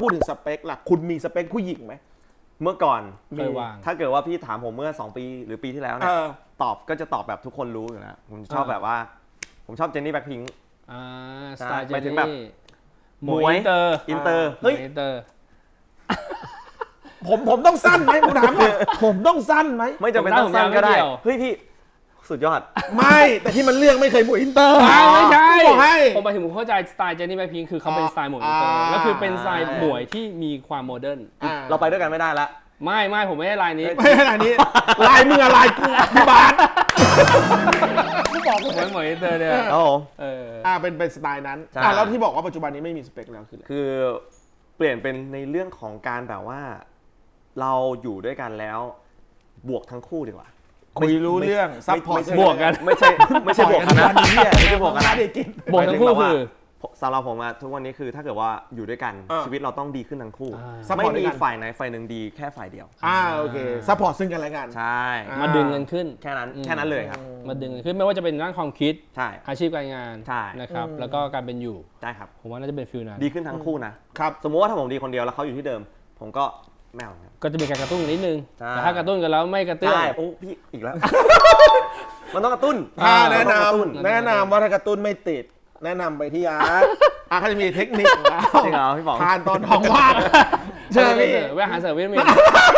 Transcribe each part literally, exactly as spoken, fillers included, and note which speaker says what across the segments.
Speaker 1: พูดถึงสเปคล่ะคุณมีสเปคผู้หญิงไหม
Speaker 2: เมื่อก่อน
Speaker 3: เคยวาง
Speaker 2: ถ้าเกิดว่าพี่ถามผมเมื่อสองปีหรือปีที่แล้วเนี่ยตอบก็จะตอบแบบทุกคนรู้อยู่แล้วผมชอบแบบว่าผมชอบเจนนี่แบ็คพิงค์
Speaker 3: อ่าสไตล์เจนนี่
Speaker 2: หมวยอินเตอร์อินเตอร์เฮ้ย
Speaker 3: อินเตอร์
Speaker 1: ผมผมต้องสั้นไหมผมถามก่อนผมต้องสั้นไหม
Speaker 2: ไม่จำเป็นต้องสั้นก็ได้เฮ้ยพี่สุดยอด
Speaker 1: ไม่แต่ที่มันเลือกไม่เคยหมวยอินเตอร์
Speaker 3: ไม่ใช่
Speaker 1: บอกให้
Speaker 3: ผมหมายถึงผมเข้าใจสไตล์เจนนี่แบ็คพิงค์คือเขาเป็นสไตล์หมวยอินเตอร์ก็คือเป็นสไตล์หมวยที่มีความโมเดิร์น
Speaker 2: เราไปด้วยกันไม่ได้ละ
Speaker 3: ไม่ไม่ผมไม่ได้ลายนี้
Speaker 1: ไม่ใช่ลายนี้ลายมึงอะลายกูพี่บาส
Speaker 3: กูบอกผมเป็นหมวยอินเตอร์เนี่ย
Speaker 2: โอ้
Speaker 3: เออ
Speaker 1: อ่าเป็นเป็นสไตล์นั้นอ่าแล้วที่บอกว่าปัจจุบันนี้ไม่มีสเปคแล้วคือ
Speaker 2: คือเปลี่ยนเป็นในเรื่องของการแบบว่าเราอยู่ด้วยกันแล้วบวกทั้งคู่ดีกว่า
Speaker 1: คุยรู้เรื่องซัพพอร์ต
Speaker 3: บวกกัน
Speaker 2: ไม่ใช่ไม่ใช่บวกกันนะไม่ใช่บวกกันนะ
Speaker 3: บวกทั้งคู่คือ
Speaker 2: สำหรับผมอะทุกวันนี้คือถ้าเกิดว่าอยู่ด้วยกันชีวิตเราต้องดีขึ้นทั้งคู่ไม่มีฝ่ายไหนฝ่ายหนึ่งดีแค่ฝ่ายเดียว
Speaker 1: อ่าโอเคซัพพอร์ตซึ่งกันและกัน
Speaker 2: ใช่
Speaker 3: มาดึงเงินขึ้น
Speaker 2: แค่นั้นแค่นั้นเลยครับ
Speaker 3: มาดึงเงินขึ้นไม่ว่าจะเป็นด้านความคิด
Speaker 2: ใช่
Speaker 3: อาชีพการงาน
Speaker 2: ใช่
Speaker 3: นะครับแล้วก็การเป็นอยู่
Speaker 2: ใช่ครับ
Speaker 3: ผมว่าน่าจะเป็นฟิลนั้น
Speaker 2: ดีขึ้นทั้งคู่นะครับสมมติว่าถ้าผมดีคนเดียวแล้วเขาอยู่ที่เดิมผมก็แมว
Speaker 3: ก็จะมีการกระตุ้นนิดนึงแต่ถ้ากระตุ้นกันแล้วไม่กระตุ้น
Speaker 2: ใช่โอ้พี่อีกแล้วมันต้องกระตุ้น
Speaker 1: แนะนำแนะนำว่าถ้ากระตุ้นไม่ติดแนะนำไปที่อาร์ตอาร์ตเขาจะมีเทคนิค
Speaker 2: จริงเหรอพี่บอก
Speaker 1: ทานตอนท้องว่าง
Speaker 3: เชิญพี่แวะหาเสริมวิตามิน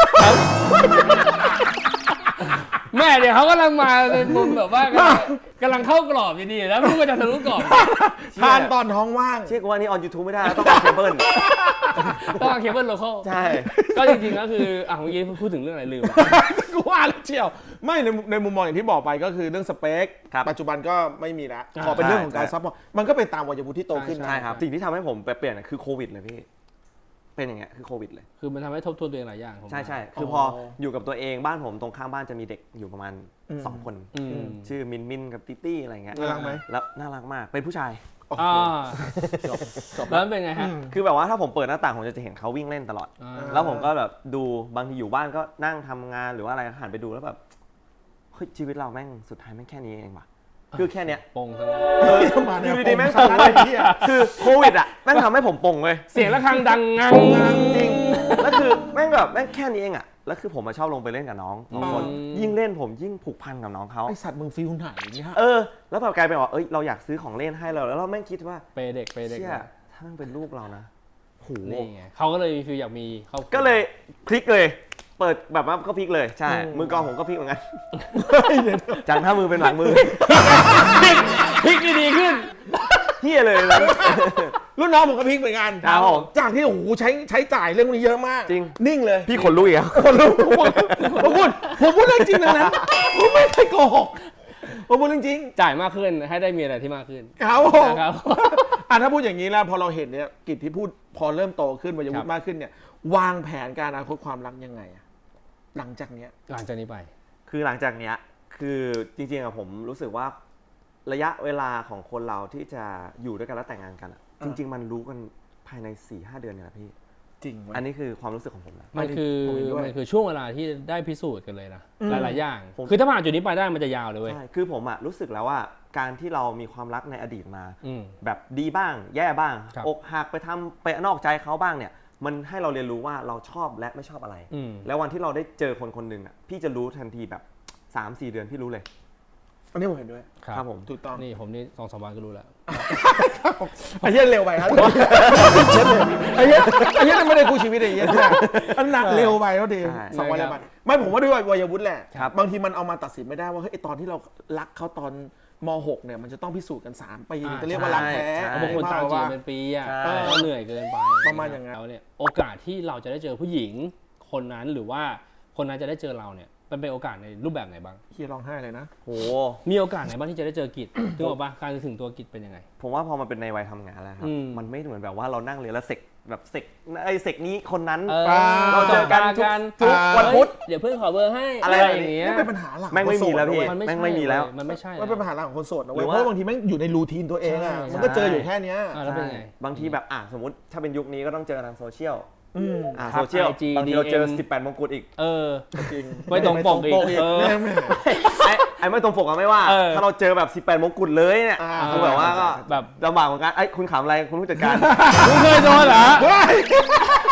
Speaker 3: แม่เดี๋ยวเขากำลังมาในมุมแบบว่ากำลังเข้ากรอบดีๆแล้วลูกก็จะทะลุกรอบ
Speaker 1: ทานตอนท้องว่าง
Speaker 2: เชื่อว่านี่ออนยูทูบไม่ได้ต้องเอาเคเบิล
Speaker 3: ต้องเอาเคเบิลโลคอล
Speaker 2: ใช่
Speaker 3: ก็จริงๆก็คืออ่ะเมื่อกี้พูดถึงเรื่องอะไรลืม
Speaker 1: กูว่าแล้วเชียวไม่ในในมุมมองอย่างที่บอกไปก็คือเรื่องสเปคปัจจุบันก็ไม่มีแล้วขอเป็นเรื่องของการซัพพอร์ตมันก็เป็นตามวัยวุฒิที่โตขึ้น
Speaker 2: ใช่ครับสิ่งที่ทำให้ผมเปลี่ยนคือโควิดเลยพี่เป็นอย่างเงี้ยคือโควิดเลย
Speaker 3: คือมันทำให้ทบทวนตัวเองหลายอย่าง
Speaker 2: ใช่ใช่คือพออยู่กับตัวเองบ้านผมตรงข้างบ้านจะมีเด็กอยู่ประมาณสองคนชื่อมินมินกับติตี้อะไรเงี้ย
Speaker 1: น่ารักไหม
Speaker 2: แล้วน่ารักมากเป็นผู้ชาย
Speaker 3: อ่าจบจบแล้วเป็นไงฮะ
Speaker 2: คือแบบว่าถ้าผมเปิดหน้าต่างผมจะเห็นเขาวิ่งเล่นตลอดแล้วผมก็แบบดูบางทีอยู่บ้านก็นั่งทำงานหรือว่าอะไรหันไปดูแล้วแบบเฮ้ยชีวิตเราแม่งสุดท้ายแม่งแค่นี้เองว่ะคือแค่เนี้ย
Speaker 3: ปงซะ
Speaker 2: อยู่ดีๆแม่งปงเลยคือโควิดอ่ะแม่งทำให้ผมปงเลย
Speaker 3: เสียงระฆังดังงัง
Speaker 2: จริงแล้วคือแม่งแบบแม่งแค่นี้เองอ่ะแล้วคือผมมาชอบลงไปเล่นกับน้องสองคนยิ่งเล่นผมยิ่งผูกพันกับน้องเขา
Speaker 1: ไอสัตว์มึงฟิลไหนเนี่ย
Speaker 2: เออแล้วแบบกลายเป็นว่าเอ้ยเราอยากซื้อของเล่นให้เราแล้วเราแม่งคิดว่า
Speaker 3: เปเด็กเปเด็ก
Speaker 2: ถ้ามันเป็นลูกเรานะโห
Speaker 3: นี่ไงเขาก็เลยมีฟิลอยากมีเขา
Speaker 2: ก็เลยพลิกเลยเปิดแบบว่าก็พลิกเลยใช่มือกองผมก็พลิกเหมือนกันจังถ้ามือเป็นหลังมือ
Speaker 3: พลิกดีขึ้น
Speaker 2: เฮียเลย
Speaker 1: รุ่นน้องผมก็พลิกเหมือนกันจากที่โอ้โหใช้ใช้จ่ายเรื่องนี้เยอะมาก
Speaker 2: จริง
Speaker 1: นิ่งเลย
Speaker 2: พี่ขนลุกอีกแล้ว
Speaker 1: ขนลุกผมพูดผมพูดเรื่องจริงนะผมไม่ได้โกหกผมพูดเรื่องจริง
Speaker 3: จ่ายมากขึ้นให้ได้มีอะไรที่มากขึ้น
Speaker 1: ครับผมอ่ะถ้าพูดอย่างนี้แล้วพอเราเห็นเนี่ยกิจที่พูดพอเริ่มโตขึ้นวัยวุฒิมากขึ้นเนี่ยวางแผนการอนาคตความรักยังไงหลังจากเนี้ย
Speaker 3: หลังจากนี้ไป
Speaker 2: คือหลังจากเนี้ยคือจริงๆอะผมรู้สึกว่าระยะเวลาของคนเราที่จะอยู่ด้วยกันแล้วแต่งงานกันจริงๆมันรู้กันภายใน สี่ห้า เดือนเนี่ยแหละพี่
Speaker 1: จริง
Speaker 2: อันนี้คือความรู้สึกของผมนะ
Speaker 3: มันคือมันคือช่วงเวลาที่ได้พิสูจน์กันเลยนะหลายๆอย่างคือถ้าผ่านจุดนี้ไปได้มันจะยาวเลยเว้ย
Speaker 2: ใช่คือผมอะรู้สึกแล้วว่าการที่เรามีความรักในอดีตมาแบบดีบ้างแย่บ้างอกหักไปทำไปนอกใจเขาบ้างเนี่ยมันให้เราเรียนรู้ว่าเราชอบและไม่ชอบอะไรแล้ววันที่เราได้เจอคนคนหนึ่งอ่ะพี่จะรู้ทันทีแบบ สามสี่ เดือนพี่รู้เลย
Speaker 1: อันนี้ผมเห็นด้วย
Speaker 2: ครับผม
Speaker 1: ถูกต้อง
Speaker 3: นี่ผมนี่ สองสาม วันก็รู้แล้ว
Speaker 1: ไอ้เหี้ยเร็วไปครับไอ้เหี้ยไอ้เหี้ยไม่ได้คู่ชีวิตไอ้เหี้ยอันหนักเร็วไปแล้วดีสองวันแล้วไปไม่ผมว่าด้วยวัยวุฒิแหละบางทีมันเอามาตัดสินไม่ได้ว่าเฮ้ยตอนที่เรารักเขาตอนม.หก เนี่ยมันจะต้องพิสูจน์กันสามปีจะเรียกว่ารักแท้
Speaker 3: บางคนตามจีบเป็นปีอ่ะก็เหนื่อยเกินไป
Speaker 1: ประมาณอย่างนั้น
Speaker 3: แล้วเนี่ยโอกาสที่เราจะได้เจอผู้หญิงคนนั้นหรือว่าคนนั้นจะได้เจอเราเนี่ยมันเป็นโอกาสในรูปแบบไหนบ้าง
Speaker 1: เฮียร้องไห้เลยนะ
Speaker 2: โห
Speaker 3: มีโอกาสไหนบ้างที่จะได้เจอกิจถึงบอกว่าการถึงตัวกิจเป็นยังไง
Speaker 2: ผมว่าพอมันเป็นในวัยทำงานแล้วครับมันไม่เหมือนแบบว่าเรานั่งเรียนแล้วเสกแบบเสกไอ้เสกนี้คนนั้นเราเจอกันทุกวันพุธ
Speaker 3: เดี๋ยวเพื่อนขอเบอร์ให้
Speaker 2: อะไรอย่างเงี้ย
Speaker 1: นี่เป็นปัญหาหลัก
Speaker 2: แม่งไม่มีแล้วพี่แม่งไม่มีแล้ว
Speaker 3: มันไม่ใช่
Speaker 1: มันเป็นปัญหาหลักของคนโสดนะเว้ยเพราะบางทีแม่งอยู่ในรูทีนตัวเองอ่ะมันก็เจออยู่แค่นี้
Speaker 3: แล้วเป็นไง
Speaker 2: บางทีแบบอ่ะสมมติถ้าเป็นยุคนี้ก็ต้องเจอทางโซเชียลอ่าโซเชียลบางทีเราเจอสิบแปดมงกุฎอีก
Speaker 3: เออ
Speaker 1: จริง
Speaker 3: ไม่ตรงปกอีก
Speaker 2: ไอ้ไอ้ไม่ตรงปกอะไม่ว่าถ้าเราเจอแบบสิบแปดมงกุฎเลยเนี่ยคือแบบว่าก็แบบลำบากเหมือนกันไอ้คุณขำอะไรคุณผู้จัดการ
Speaker 3: คุณเคยโดนเหรอ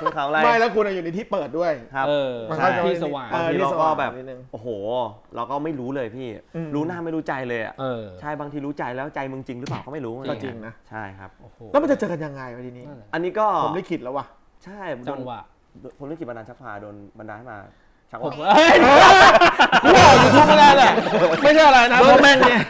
Speaker 2: ภูเขาอะไร
Speaker 1: ไม่แล้วคุณอยู่ในที่เปิดด้วย
Speaker 2: ครับ
Speaker 3: เออ
Speaker 1: มัน
Speaker 2: ใช่
Speaker 1: ก็จะ
Speaker 3: ที่สว่าง
Speaker 1: เออ
Speaker 2: บางที
Speaker 1: ที่
Speaker 2: เรา
Speaker 1: ส
Speaker 2: ก็
Speaker 1: ว่าง
Speaker 2: แบบ
Speaker 1: นิดนึง
Speaker 2: โอ้โห เราก็ไม่รู้เลยพี่
Speaker 1: อืม
Speaker 2: รู้หน้าไม่รู้ใจเลยอ่ะ
Speaker 3: เออ
Speaker 2: ใช่บางทีรู้ใจแล้วใจมึงจริงหรือเปล่าก็ไม่รู้
Speaker 1: ก็จริงนะ
Speaker 2: ใช่ครับ
Speaker 3: โอ้โห
Speaker 1: แล้วมันจะเจอกันยังไงวะทีนี้
Speaker 3: นั่นแหละ
Speaker 2: อันนี้ก็
Speaker 1: ผมลิขิตแล้วว่ะ
Speaker 2: ใช่
Speaker 3: จังหวะ
Speaker 2: โดนผมลิขิตบันดาลชักพาโดนบันดาลให้มาชัก
Speaker 3: ผม
Speaker 2: ว่า
Speaker 3: เอ้ย
Speaker 1: กูออกยูทูบไม่ได้แหละไม่ใช่อะไรนะเพราะแม่งเนี่ย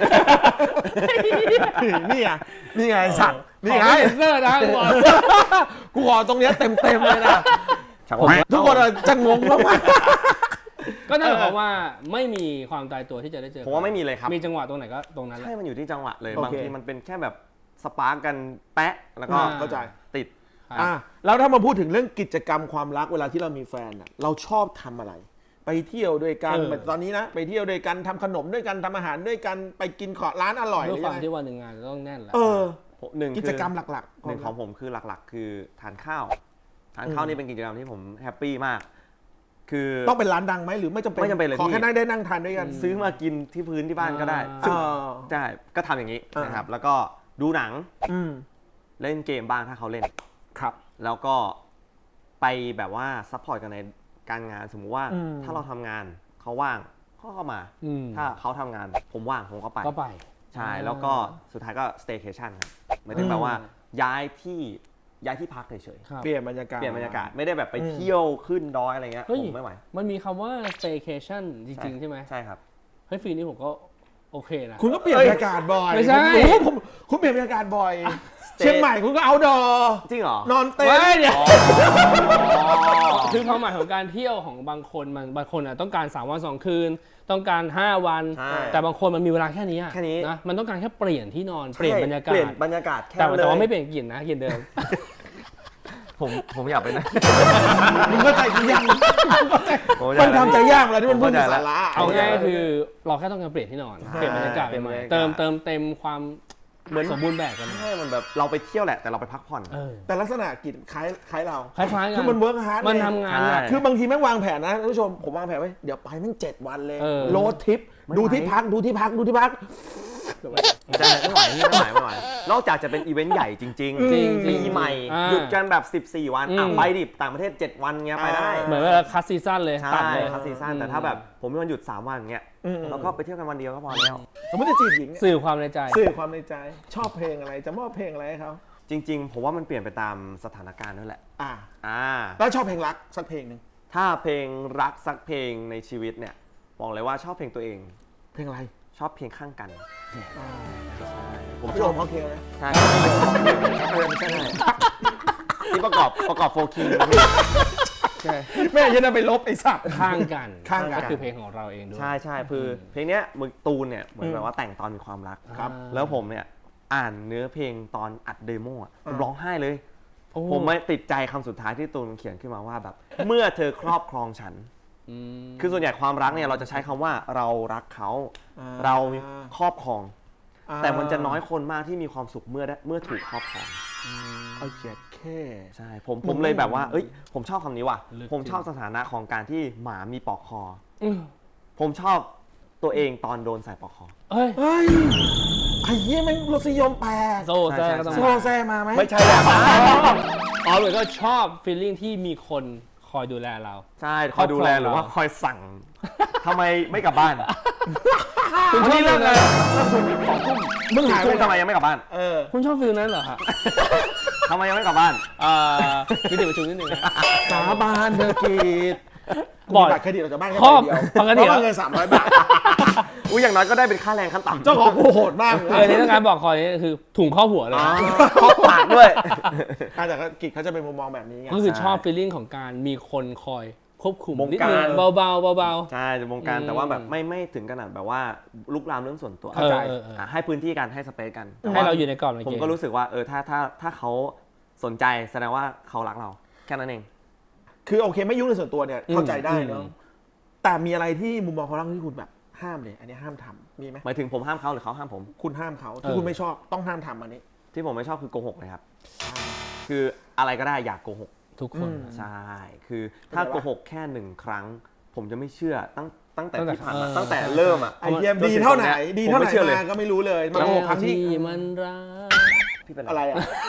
Speaker 1: นี่ไงนี่ไงสัตว์นี่ไง
Speaker 3: ขอเซ็นเซอร์นะกูบอก
Speaker 1: กูขอตรงเนี้ยเต็มเต็มๆเลยนะ
Speaker 2: ชักว่า
Speaker 1: ทุกคนอะจะงงมาก
Speaker 3: ก็นั่นหมายความว่าไม่มีความตายตัวที่จะได้เจอ
Speaker 2: ผมว่าไม่มีเลยครับ
Speaker 3: มีจังหวะตรงไหนก็ตรงนั้นแหละ
Speaker 2: ใช่ มันอยู่ที่จังหวะเลย
Speaker 1: โอเค
Speaker 2: บางทีมันเป็นแค่แบบสปาร์กกันแปะแล้วก็
Speaker 3: อ่า
Speaker 1: เข้าใจ
Speaker 2: ติด
Speaker 3: ครับ
Speaker 1: อ่ะแล้วถ้ามาพูดถึงเรื่องกิจกรรมความรักเวลาที่เรามีแฟนอะเราชอบทำอะไร ไปเที่ยวด้วยกัน
Speaker 3: เออ
Speaker 1: แบบตอนนี้นะไปเที่ยวด้วยกันทำขนมด้วยกันทำอาหารด้วยกันไปกินขอร้านอร่อย
Speaker 3: ด้วย
Speaker 1: หรือ
Speaker 3: ค
Speaker 1: ยั
Speaker 3: วาม
Speaker 1: งไง
Speaker 3: ที่วันหนึ่งงานจะต้องแน่นแหละ
Speaker 1: เออ
Speaker 2: หนึ่ง
Speaker 1: กิจกรรมหลักๆ
Speaker 2: หนึ่งของผมคือหลักๆ คือทานข้าว ทานข้าวนี่เป็นกิจกรรมที่ผมแฮปปี้มาก คือ
Speaker 1: ต้องเป็นร้านดังไหมหรือไม่จำเป็น
Speaker 2: ไม่จำเป็นเลย
Speaker 1: ขอ
Speaker 2: พี่
Speaker 1: แค่นั่งได้นั่งทานด้วยกัน
Speaker 2: ซื้อมากินที่พื้นที่บ้านก็ได้
Speaker 3: อ่า
Speaker 2: ซึ่ง
Speaker 1: เออ
Speaker 2: ใช่ก็ทำอย่างนี้
Speaker 1: อ่าน
Speaker 2: นะครับ แล้วก็ดูหนัง
Speaker 1: อืม
Speaker 2: เล่นเกมบ้างถ้าเขาเล่น
Speaker 1: ครับ
Speaker 2: แล้วก็ไปแบบว่าซัพพอร์ตกันในการงาน สมมุติว่า
Speaker 1: อืม
Speaker 2: ถ้าเราทำงานเขาว่างเขาก็มา
Speaker 3: อืม
Speaker 2: ถ้าเขาทำงานผมว่างผมก็ไป
Speaker 3: ก็ไป
Speaker 2: ใช่ แล้วก็สุดท้ายก็ staycation ครับหมายถึงแบบว่าย้ายที่ย้ายที่พักเฉย
Speaker 3: ครับ
Speaker 1: เปลี่ยนบรรยากาศ
Speaker 2: ๆเปลี่ยนบรรยากาศไม่ได้แบบไป
Speaker 1: อืม
Speaker 2: เที่ยวขึ้นดอยอะไรเงี้ย
Speaker 3: เฮ้ย
Speaker 2: ผมไม่ไหว
Speaker 3: มันมีคำว่า staycation จริงๆ ใช่ไหม
Speaker 2: ใช่ครับ
Speaker 3: เฮ้ยฟีลนี้ผมก็โอเคนะ
Speaker 1: คุณก็เปลี่ยนบรรยากาศบ่อย
Speaker 3: ไม่ใช่
Speaker 1: ผมรู้ผมคุณเปลี่ยนบรรยากาศบ่อย เชียงใหม่คุณก็เอาดอ
Speaker 2: จริงเหรอ
Speaker 1: นอนเต็น
Speaker 3: เฮ้ย
Speaker 1: ท์
Speaker 3: เดี๋ยวคือความหมายของการเที่ยวของบางคนมันบางคนอ่ะต้องการสามวันสองคืน ต้องการห้าวัน
Speaker 2: ใช่
Speaker 3: แต่บางคนมันมีเวลาแค่นี้อะ
Speaker 2: แค่นี้
Speaker 3: นะมันต้องการแค่เปลี่ยนที่นอนเปลี่ยนบรรยากา
Speaker 2: เปลี่
Speaker 3: ศ
Speaker 2: ยนบรรยากาศแค่
Speaker 3: แต่
Speaker 2: นั้นเล
Speaker 3: แต่ว่าย ไม่เปลี่ยนกลิ่นนะกลิ่นเดิม
Speaker 2: ผมผมอยากไปนะ
Speaker 1: มึงเข้าใจกูยัง
Speaker 2: ผมเข้าใจ
Speaker 1: มัน
Speaker 2: แล้ว
Speaker 1: ทำใจยากเลยที่มันพูดถึง
Speaker 2: ผมเข้าใจแล้ว
Speaker 1: สาระ
Speaker 3: เอาง่ายๆคือเราแค่ต้องการเปลี่ยนที่นอน
Speaker 2: ใช่
Speaker 3: เปลี่ยนบรรยากาศ
Speaker 2: เปลี่ยน
Speaker 3: ให
Speaker 2: บร
Speaker 3: ม่
Speaker 2: รยากาศ
Speaker 3: ๆเติมเติมเต็มความ
Speaker 2: เหมือน
Speaker 3: สมบูรณ์แบบกัน
Speaker 2: ใช่มันแบบเราไปเที่ยวแหละแต่เราไปพักผ่อน
Speaker 3: เออ
Speaker 1: แต่ลักษณะกิจคล้ายคล้ายเรา
Speaker 3: คล้ายๆกัน
Speaker 1: คือมันเวิร์กฮาร์ด
Speaker 3: มันทำงานหนัก
Speaker 2: ใช่
Speaker 1: คือบางทีแม่งวางแผนนะท่านผู้ชมผมวางแผนไว้เดี๋ยวไปแม่งเจ็ดวันเลย
Speaker 3: เออ
Speaker 1: โรดทริป
Speaker 2: ไม่
Speaker 1: ดู
Speaker 2: ไหว
Speaker 1: ที่พักดูที่พักดูที่พัก
Speaker 2: ใช่ไม่ไหวพี่ไม่ไหวไม่ไหวนอกจากจะเป็นอีเวนต์ใหญ่จริง
Speaker 3: จริงๆ
Speaker 2: ปีใหม่
Speaker 3: อ่า
Speaker 2: หยุดกันแบบสิบสี่วันอ่ะ
Speaker 3: อืม
Speaker 2: ไปดิต่างประเทศเจ็ดวันเงี้ยไปได้
Speaker 3: เหมือนเวลาคัสซีซั่นเลย
Speaker 2: ใช่
Speaker 3: ตัดเลย
Speaker 2: ครับซีซั่นแต่ถ้าแบบผมมีวันหยุดสามวันเงี้ย
Speaker 1: อืม
Speaker 2: แล้วก็ไปเที่ยวกันวันเดียวก็พอแล้ว
Speaker 1: สมมติจะจีบหญิงเนี่ย
Speaker 3: สื่อความในใจ
Speaker 1: สื่อความในใจ ชอบเพลงอะไรจะมอบเพลงอะไรให้เขา
Speaker 2: จริง ๆ ผมว่ามันเปลี่ยนไปตามสถานการณ์นั่นแหละ
Speaker 1: อ่า
Speaker 2: อ่า
Speaker 1: แล้วชอบเพลงรักสักเพลงหนึ่ง
Speaker 2: ถ้าเพลงรักสักเพลงในชีวิตเนี่ยบอกเลยว่าชอบเพลงตัวเอง
Speaker 1: เพลงอะไร
Speaker 2: ชอบเพลงข้างกันผม
Speaker 1: พี่
Speaker 2: ช
Speaker 1: โอ
Speaker 2: อบ
Speaker 1: มเขาเคลนะ
Speaker 2: ใช่
Speaker 1: เออไม่ใช่
Speaker 2: ที่ประกอบประกอบโฟคิง
Speaker 1: ใช่แม่ยันไปลบไอ้สัตว์
Speaker 3: ข้างกัน
Speaker 1: ข้างกัน
Speaker 3: ก็คือเพลงของเราเองด้วย
Speaker 2: ใช่ใช่คือเพลงเนี้ยมือตูนเนี่ยเหมือนแบบว่าแต่งตอนมีความรัก
Speaker 1: ครับ
Speaker 2: แล้วผมเนี่ยอ่านเนื้อเพลงตอนอัดเดโมอ่ะผมร้องไห้เลย
Speaker 3: โอ้
Speaker 2: ผมไม่ติดใจคำสุดท้ายที่ตูนเขียนขึ้นมาว่าแบบ เมื่อเธอครอบครองฉัน
Speaker 3: อืม
Speaker 2: คือส่วนใหญ่ความรักเนี่ยเราจะใช้คำว่าเรารักเขา
Speaker 1: อ่า
Speaker 2: เราครอบครอง
Speaker 1: อ่า
Speaker 2: แต่มันจะน้อยคนมากที่มีความสุขเมื่อได้เมื่อถูกครอบครอง
Speaker 1: เอาเกียดแค่
Speaker 2: ใช่ผมผมเลยแบบว่า เอ้ย ผมชอบคำนี้ว่ะ
Speaker 3: ลึก
Speaker 2: ผมชอบสถานะของการที่หมามีปลอกคอ
Speaker 3: อืม
Speaker 2: ผมชอบตัวเองตอนโดนใส่ปลอกคอ
Speaker 3: เฮ้ย
Speaker 1: เฮ้ยไอ้เหี้ยแม่งรสนิยมแปลก
Speaker 3: โซแซก็ต้อง
Speaker 1: โซแซมาไหม
Speaker 2: ไม่ใช่แล้ว
Speaker 3: อ๋อเหมือนก็ชอบฟีลลิ่งที่มีคนคอยดูแลเรา
Speaker 2: ใช่คอยดูแลหรือว่าคอยสั่งทำไมไม่กลับบ้าน
Speaker 3: คุณชอบ
Speaker 2: วันนี้เลิกเลย
Speaker 1: มึงหายไป
Speaker 2: ทุ่ม
Speaker 1: ไหน
Speaker 2: ทำไมยังไม่กลับบ้าน
Speaker 1: เออ
Speaker 3: คุณชอบฟีลนั้นเหรอฮะ
Speaker 2: ทำไมยังไม่กลับบ้าน
Speaker 3: อ่ามีเด็กประชุมนิดนึงนะ
Speaker 1: สาบานเธอกีด
Speaker 3: บ่อย
Speaker 1: บัตรเครดิตออกจากบ้านแค่
Speaker 3: ครอบ
Speaker 1: ใบเดียว
Speaker 3: ปกติ
Speaker 1: เพราะว่าเงินสามร้อยบาท
Speaker 2: อุ้ยอย่างน้อยก็ได้เป็นค่าแรงขั้นต่ำ
Speaker 1: เจ้าของกูโหดมากเลย
Speaker 3: เออนี่ต้องการบอกคอยนี่คือถุงข้อหัวเลย
Speaker 2: อ๋อ
Speaker 3: นะ
Speaker 2: ครอบปากด้วย
Speaker 1: อ่ะแต่ก็กิจเขาจะเป็นมุมมองแบบนี้ไง
Speaker 3: ก็คือชอบฟีลลิ่งของการมีคนคอยควบคุม
Speaker 2: บง
Speaker 3: นิด
Speaker 2: การ
Speaker 3: นึงเบาๆเบา
Speaker 2: ใช่จะวงการ
Speaker 3: อืม
Speaker 2: แต่ว่าแบบไม่ไม่ถึงขนาดแบบว่าลุกลามเรื่องส่วนตัว
Speaker 3: ๆเออเออเออ
Speaker 2: อ่ะให้พื้นที่กันให้สเปซกันแต่
Speaker 3: ให้
Speaker 2: ว่า
Speaker 3: เราอยู่ในกรอบใน
Speaker 2: ผม
Speaker 3: เกม
Speaker 2: ก็รู้สึกว่าเออถ้าถ้าถ้าเขาสนใจแสดงว่าเขารักเราแค่นั้นเอง
Speaker 1: คือโอเคไม่ยุ่งในส่วนตัวเนี่ยเข้าใจได้เนาะ
Speaker 3: อืม
Speaker 1: แต่มีอะไรที่มุมมองของเราที่คุณแบบห้ามเลยอันนี้ห้ามทำมีไหม
Speaker 2: หมายถึงผมห้ามเขาหรือเขาห้ามผม
Speaker 1: คุณห้ามเขาที่คุณไม่ชอบต้องห้ามทำอันนี้
Speaker 2: ที่ผมไม่ชอบคือโกหกเลยครับ คืออะไรก็ได้อยากโกหก
Speaker 3: ทุกคน
Speaker 1: อืม
Speaker 2: ใช่ คือถ้า
Speaker 1: เข้าใจปะ
Speaker 2: โกหกแค่หนึ่งครั้ง ผมจะไม่เชื่อตั้งตั้งแต่
Speaker 3: ตั้งแต่
Speaker 2: ที่ผ่านมา
Speaker 3: เออ
Speaker 2: ตั้งแต่เริ่มอ่ะ
Speaker 1: ไอ้เยี่ยม
Speaker 2: จนถึง
Speaker 1: ดีเท่าไหน
Speaker 2: ตรงเนี้ย
Speaker 1: ดีเท่าไห
Speaker 2: ผม
Speaker 1: น
Speaker 2: ไม่เชื่อเลย
Speaker 1: มาก็ไม่รู้เลยมา
Speaker 3: แล้
Speaker 1: โก
Speaker 3: ว
Speaker 1: หกครั้งที่
Speaker 3: ที่มันรัก
Speaker 2: พี่เป็น
Speaker 1: อะไรอ่ะ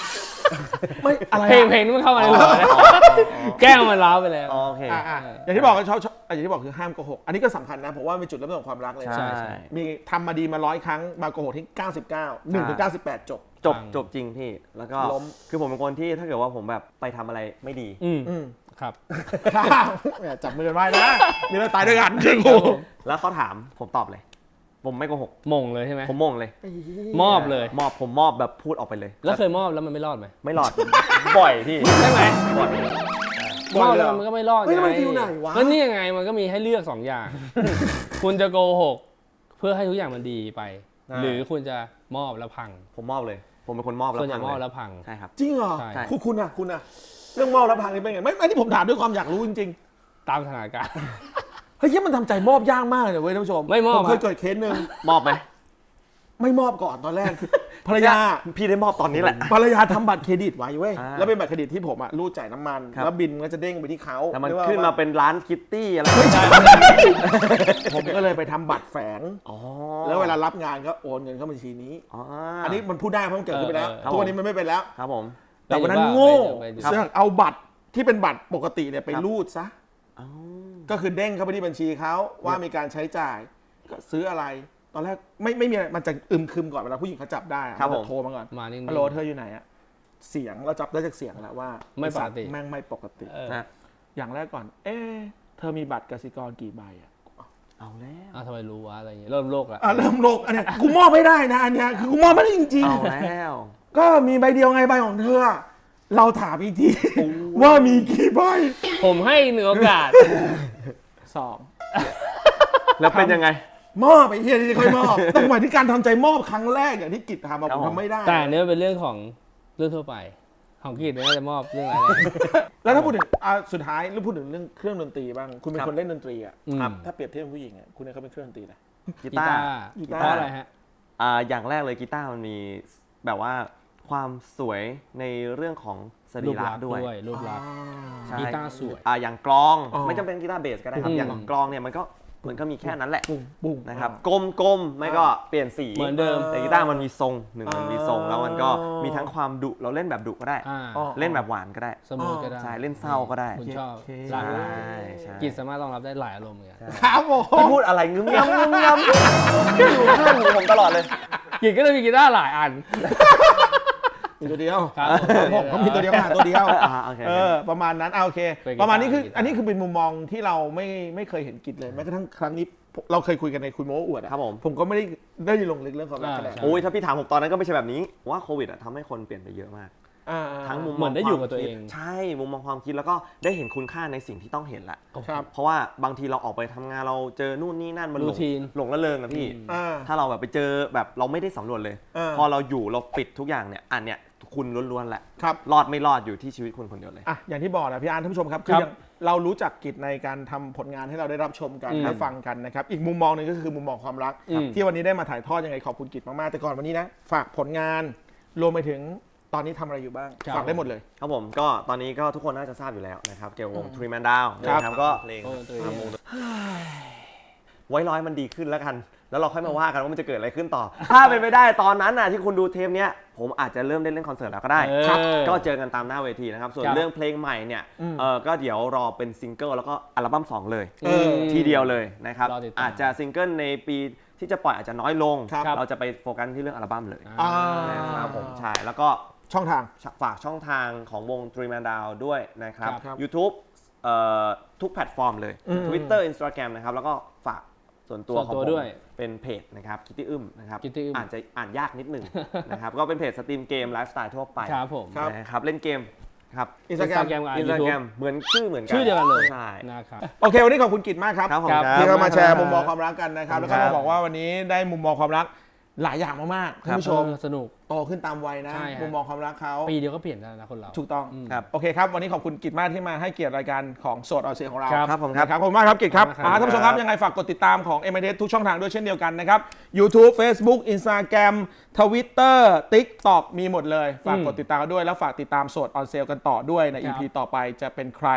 Speaker 1: ไม่อะไร
Speaker 3: เพลงเพลงนี้มันเข้ามาในหัวแล้วแก้วมันล้าวไปแล้ว
Speaker 2: โอเค
Speaker 1: อ่ะอ่ะอย่างที่บอกก็ชอบชอบอย่างที่บอกคือห้ามโกหกอันนี้ก็สำคัญนะผมว่าเป็นจุดเริ่มต้นของความรักเลย
Speaker 2: ใช่
Speaker 3: ใช่
Speaker 1: มีทำมาดีมาร้อยครั้งมาโกหกที่เก้าสิบเก้า หนึ่งถึงเก้าสิบแปดจบ
Speaker 2: จบ
Speaker 3: ฟัง
Speaker 2: จบจริงพี่แล้วก็
Speaker 1: ล้ม
Speaker 2: คือผมเป็นคนที่ถ้าเกิดว่าผมแบบไปทำอะไรไม่ดี
Speaker 3: อืม
Speaker 1: อืม
Speaker 3: ครับ
Speaker 1: แหมจับมือกันไว้นะมีเราตายด้วยกันเชื่อกู
Speaker 2: แล้วเขาถามผมตอบเลย ผมไม่โกหก
Speaker 3: มงเลยใช่ไหม
Speaker 2: ผมมงเลย
Speaker 3: มอบเลย
Speaker 2: มอบผมมอบแบบพูดออกไปเลย
Speaker 3: แล้วเคยมอบแล้วมันไม่รอดไหม
Speaker 2: ไม่หลอด บ่อยพี่
Speaker 3: ใช่ไหม
Speaker 2: บ่อย
Speaker 3: มอบแล้วมันก็ไม่รอด
Speaker 1: เฮ้ย
Speaker 3: ไง
Speaker 1: มันฟิลไหนวะ
Speaker 3: ก็นี่ยังไงมันก็มีให้เลือกสองอย่าง คุณจะโกหกเพื่อให้ทุกอย่างมันดีไป หรือคุณจะมอบแล้วพัง
Speaker 2: ผมมอบเลย ผมเป็นคนมอบแล้ว
Speaker 3: ส่วนใหญ่
Speaker 2: พัง
Speaker 3: มอบ
Speaker 2: เล
Speaker 3: แล้
Speaker 2: ยว
Speaker 3: พัง
Speaker 2: ใช่ครับ
Speaker 1: จริงเหรอ
Speaker 3: ใช่
Speaker 1: คุณคุณอะคุณอะเรื่องมอบรับพังนี่เป็นไงไม่อันนี้ผมถามด้วยความอยากรู้จริง
Speaker 3: ตามสถานการณ์
Speaker 1: ๆเฮ้ยเหี้ยมันทำใจมอบยากมากเลยเว้ยท่านผู้ชม
Speaker 3: ไม่มอบ
Speaker 1: ผมเคย
Speaker 3: อะ
Speaker 1: เกิดเคสหนึ่ง
Speaker 2: มอบไหม
Speaker 1: ไม่มอบก่อนตอนแรกคือภรรยา
Speaker 2: พี่ได้มอบตอนนี้แหละ
Speaker 1: ภรรยาทำบัตรเครดิตไว้เว้ย
Speaker 2: อ่า
Speaker 1: แล้วเป็นบัตรเครดิตที่ผมอะรูดจ่ายน้ำมัน
Speaker 2: ครับ
Speaker 1: แล้วบินมันก็จะเด้งไปที่เขา
Speaker 2: แต่มัน
Speaker 1: เรียกว่
Speaker 2: ขึ้นมาเป็นร้านคิตตี้อะไร
Speaker 1: ผมก็เลยไปทำบัตรแฝง
Speaker 2: อ๋อ
Speaker 1: แล้วเวลารับงานก็โอนเงินเข้าบัญชีนี้
Speaker 2: อ๋อ
Speaker 1: อั
Speaker 2: อั
Speaker 1: นนี้มันพูดได้เพราะมันเกิดขึ้นไปแล้ว
Speaker 3: เออเออ
Speaker 1: ทุกวันนี้มันไม่เป็นแล้ว
Speaker 2: ครับผม
Speaker 1: แต่วันนั้น
Speaker 3: ไปอยู่
Speaker 1: โง่
Speaker 3: ไปอยู่
Speaker 1: เสือกเอาบัตรที่เป็นบัตรปกติเนี่ยไป
Speaker 2: ครับ
Speaker 1: รูดซะ
Speaker 2: อ๋อ
Speaker 1: ก็คือเด้งเข้าไปที่บัญชีเขาว่ามีการใช้จ่ายก็ซื้ออะไร ตอนแรกไม่ไม่มีอะไรมันจะอึมครึมก่อนเวลาผู้หญิงเขาจับได้อะ
Speaker 2: ครับ
Speaker 1: มัน
Speaker 2: ผม
Speaker 1: จะโทรมาก่อน
Speaker 3: มานิ่งๆ
Speaker 1: ฮัลโหลเธออยู่ไหนอะเสียงเราจับได้จากเสียงแล้วว่า
Speaker 3: ไม่ปกติ
Speaker 1: อ้สัตว์แม่งไม่ปกติ
Speaker 3: เออ
Speaker 2: นะ
Speaker 1: อย่างแรกก่อน เอ๊ะเธอมีบัตรกสิกรกี่ใบอะ
Speaker 2: เอาแล้ว
Speaker 3: อ้าวทำไมรู้วะอะไรอย่างเงี้ยเริ่มโลกละ
Speaker 1: อ่ะเริ่มโลกอันเนี้ยกูมอบไม่ได้นะอันเนี้ยคือกูมอบไม่ได้จริง
Speaker 2: เอา
Speaker 1: ๆ
Speaker 2: แล้ว
Speaker 1: ก็มีใบเดียวไงใบของเธอ เราถามอีกทีว่ามีกี่ใบ
Speaker 3: ผมให้หนึ่งโอกาส
Speaker 1: สอง
Speaker 2: แล้วเป็นยังไง
Speaker 1: มอบไปเฮียที่ค่อยมอบ ต้องหมายถึงการทำใจมอบครั้งแรกอย่างที่กิจทำมา
Speaker 2: ครั
Speaker 1: ผ
Speaker 2: บ
Speaker 1: ม
Speaker 2: ผม
Speaker 1: ทำไม่ได้
Speaker 3: แต่อันนี้มันเป็นเรื่องของเรื่องทั่วไป ของกิจเนี่ยน่าจะมอบเรื่องอะไร
Speaker 1: แล้วถ้าพูดถึงอ่ะสุดท้ายเรื่องพูดถึงเรื่องเครื่องดนตรีบ้าง คุณเป็น
Speaker 2: ครับ
Speaker 1: คนเล่นดนตรีอ่ะ
Speaker 3: อืม
Speaker 1: ครับถ้าเปรียบเทียบกับผู้หญิงอ่ะคุณเนี่ยเขาเป็นเครื่องดนตรีนะ
Speaker 2: กี
Speaker 3: กี
Speaker 2: ตา
Speaker 3: ตา
Speaker 2: ร์
Speaker 3: ร์
Speaker 1: กีตาร์
Speaker 3: เพราะอะไรฮะ
Speaker 2: อ่าอย่างแรกเลยกีตาร์มันมีแบบว่าความสวยในเรื่องของสรี
Speaker 3: รูประ ลักษณ์
Speaker 2: ด้วย
Speaker 3: ด้วยรูปลักษณ์
Speaker 2: ใช่
Speaker 3: กีตาร์สวย
Speaker 2: อ่าอย่างกลอง
Speaker 1: อ๋อ
Speaker 2: ไม่จำเป็นกีตาร์เบสก็ได้ครับ
Speaker 3: อืม
Speaker 2: อย่างกลองเนี่ยมันก็มันก็มีแค่นั้นแหละ
Speaker 1: ปุ้งปุ้ง
Speaker 2: นะครับกลมๆไม่ก็เปลี่ยนสี
Speaker 3: เหมือนเดิม
Speaker 2: แต่กีตาร์มันมีทรงหนึ่งมันมีทรง
Speaker 1: อ๋อ
Speaker 2: แล้วมันก็มีทั้งความดุเราเล่นแบบดุก็ได้
Speaker 3: อ่า
Speaker 1: อ๋อ
Speaker 2: เล่นแบบหวานก็ได้
Speaker 3: สมูทก็ได้
Speaker 2: ใช่เล่นเศร้าก็ได้
Speaker 3: คุณชอบ
Speaker 1: โอเค
Speaker 3: หลากหลาย
Speaker 2: ใช่ใช่
Speaker 3: กิจสามารถรองรับได้หลายอารมณ์เหมือนกัน
Speaker 1: ครับผม
Speaker 2: พี่พูดอะไรงึมงำงึมงำอยู่ข้างหูผมตลอดเลย
Speaker 3: กิจก็เลยมีกีตาร์หลายอัน
Speaker 1: มีตัวเดียว
Speaker 3: ครับ
Speaker 1: ผมเขามีตัวเดียวหาตัวเดียว
Speaker 2: อ่าโอเค
Speaker 1: เออประมาณนั้นเอาโอเค
Speaker 3: เป็นกีตาร์
Speaker 1: ประมาณนี้คือ
Speaker 3: กีตาร์
Speaker 1: อันนี้คือเป็นมุมมองที่เราไม่ไม่เคยเห็นกิจเลยแม้กระทั่งครั้งนี้เราเคยคุยกันในคุยโม้อวดอะ
Speaker 2: ครับผม
Speaker 1: ผมก็ไม่ได้ได้ลงลึกเรื่องความรักขนาด
Speaker 3: อ่า
Speaker 1: นั้น
Speaker 2: โอ้ยถ้าพี่ถามผมตอนนั้นก็ไม่ใช่แบบนี้ว่าโควิดอะทำให้คนเปลี่ยนไปเยอะมาก
Speaker 1: อ่า
Speaker 2: ทั้งมุม
Speaker 3: เหมือนได้อยู่กับตัว
Speaker 2: ค
Speaker 3: เอ
Speaker 2: คิ
Speaker 3: ง
Speaker 2: ใช่ มุมมองความคิดแล้วก็ได้เห็นคุณค่าในสิ่งที่ต้องเห็นละ
Speaker 1: ครับ
Speaker 2: เพราะว่าบางทีเราออกไปทำงานเราเจอนู่นนี่นั่นมันหลง
Speaker 3: Routine
Speaker 2: หลงละเริงอะพี่
Speaker 1: อ่า
Speaker 2: ถ้าเราแบบไปเจอแบบเราไม่ได้สำรวจเลย
Speaker 1: อ่า
Speaker 2: พอเราอยู่เราปิดทุกอย่างเนี่ยอันเนี้ยคุณล้วนๆแหละ
Speaker 1: ครับ
Speaker 2: รอดไม่รอดอยู่ที่ชีวิตคุณคนเดียวเลย
Speaker 1: อ่ะอย่างที่บอกนะพี่อาร์ตท่านผู้ชมครับ
Speaker 3: ค
Speaker 1: คื
Speaker 3: รั
Speaker 1: อบ อย่างเรารู้จักกิจในการทำผลงานให้เราได้รับชมกัน
Speaker 3: อืม
Speaker 1: ได้ฟังกันนะครับอีกมุมมองหนึ่งก็คือมุมมองความรัก
Speaker 3: อืม
Speaker 1: ที่วันนี้ได้มาถ่ายทอดยังไงขอบคุณกิจมากๆแต่ก่อนวันนี้นะฝากผลงานรวมไปถึงตอนนี้ทำอะไรอยู่บ้าง
Speaker 3: ครับ
Speaker 1: ฝากได้หมดเลย
Speaker 2: ครับผมก็ตอนนี้ก็ทุกคนน่าจะทราบอยู่แล้วนะครับเกี่ยวกับวงทรีแมนดาว
Speaker 1: ครับ
Speaker 2: นะครับก็เพลง
Speaker 3: โอ้ตัวเอง
Speaker 2: ไว้ร้อยมันดีขึ้นแล้วกัน แล้วเราค่อยมาว่ากันว่ามันจะเกิดอะไรขึ้นต่อ ถ้าเป็นไปได้ตอนนั้นน่ะที่คุณดูเทปเนี้ยผมอาจจะเริ่มได้เล่นคอนเสิร์ตแล้วก็ได้
Speaker 3: เออ
Speaker 2: ครับก็เจอกันตามหน้าเวทีนะครับ ส่วน
Speaker 3: ครับ
Speaker 2: เรื่องเพลงใหม่เนี่ย
Speaker 1: อืม
Speaker 2: เออก็เดี๋ยวรอเป็นซิงเกิลแล้วก็อัลบั้มสองเลย
Speaker 1: เออ
Speaker 2: ทีเดียวเลยนะครับ
Speaker 3: รอติดตาม
Speaker 2: อาจจะซิงเกิลในปีที่จะปล่อยอาจจะน้อยลง
Speaker 1: ครับ
Speaker 2: เราจะไปโฟกัสที่เรื่องอัลบั้มเลย
Speaker 1: อ่า
Speaker 2: นะครับผมใช่แล้วก็
Speaker 1: ช่องทาง
Speaker 2: ฝากช่องทางของวง Three Man Down ด้วยนะครับ
Speaker 1: ครับ
Speaker 2: YouTube เอ่อทุกแพลตฟอร์มเลย
Speaker 1: อืม
Speaker 2: Twitter Instagram นะครับ แล้วก็ฝากส่วนตัว
Speaker 3: ส่วน
Speaker 2: ของ
Speaker 3: ตัว
Speaker 2: ผม
Speaker 3: ด้วย
Speaker 2: เป็นเพจนะครับคิตตี้อึมนะครับ
Speaker 3: Kitty อึ้ม
Speaker 2: อ่านจะอ่านยากนิดหนึ่ง นะครับ ก็เป็นเพจสตรีมเกมไลฟ์สไตล์ทั่วไป
Speaker 3: ครับผม
Speaker 1: ครับ
Speaker 2: นะครับ เล่นเกมครับ
Speaker 1: อินสตาแกรม
Speaker 3: Instagram กับ
Speaker 2: อินสตา
Speaker 3: YouTube
Speaker 2: แกรมเหมือนชื่อเหมือนกัน
Speaker 3: ชื่อเดียวกันเลย
Speaker 2: ใช่
Speaker 3: นะครับ
Speaker 1: โอเควันนี้ขอบคุณกิจมากครับ
Speaker 2: ครับผม
Speaker 3: ครับ
Speaker 2: ครับ
Speaker 1: ที่เรามาแชร์
Speaker 3: ครับ
Speaker 1: มุมมองความรักกันนะครับ แล้วก็
Speaker 2: ครั
Speaker 1: มา
Speaker 2: บ
Speaker 1: บอกว่าวันนี้ได้มุมมองความรักหลายอย่างมากๆท่านผู้ชม
Speaker 3: เออสนุก
Speaker 1: โตขึ้นตามวัยนะ
Speaker 3: ใช่ฮะ
Speaker 1: มุมมองความรักเขา
Speaker 3: ปีเดียวก็เปลี่ยนได้นะคนเรา
Speaker 1: ถูกต้อง
Speaker 2: ครับ
Speaker 1: โอเคครับวันนี้ขอบคุณกิจมากที่มาให้เกียรติรายการของโสดออเซียของเรา
Speaker 3: ครับ
Speaker 2: ครับผมครับ
Speaker 1: นะครับขอบคุณมากครับกิจครับ
Speaker 3: ขอบคุณครับ
Speaker 1: อ่าท่านผู้ชมครับยังไงฝากกดติดตามของ เอ็ม ไอ ที เอส ทุกช่องทางด้วยเช่นเดียวกันนะครับ YouTube Facebook Instagram Twitter TikTok มีหมดเลย ฝากกดติดตามกันด้วยแล้วฝากติดตามโสดออนเซลกันต่อด้วยใน
Speaker 3: ครั
Speaker 1: อี
Speaker 3: บ
Speaker 1: พี ต่อไปจะเป็นใคร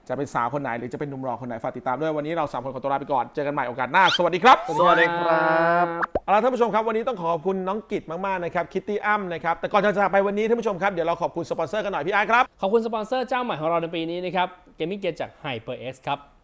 Speaker 1: จะเป็นสาวคนไหนหรือจะเป็นหนุ่มรอคนไหนฝากติดตามด้วยวันนี้เราสามคนขอตัวลาไปก่อนเจอกันใหม่โอกาสหน้าสวัสดีครับ
Speaker 2: สวัสดีครับ
Speaker 1: เอาล่ะท่านผู้ชมครับวันนี้ต้องขอบคุณน้องกิตมากๆนะครับคิตตี้อ้ำนะครับแต่ก่อนจะจากไปวันนี้ท่านผู้ชมครับเดี๋ยวเราขอบคุณสปอนเซอร์กันหน่อยพี่อาร์ตครับ
Speaker 3: ขอบคุณสปอนเซอร์เจ้าใหม่ของเราในปีนี้นะครับ Gaming Gear จาก HyperX ครับ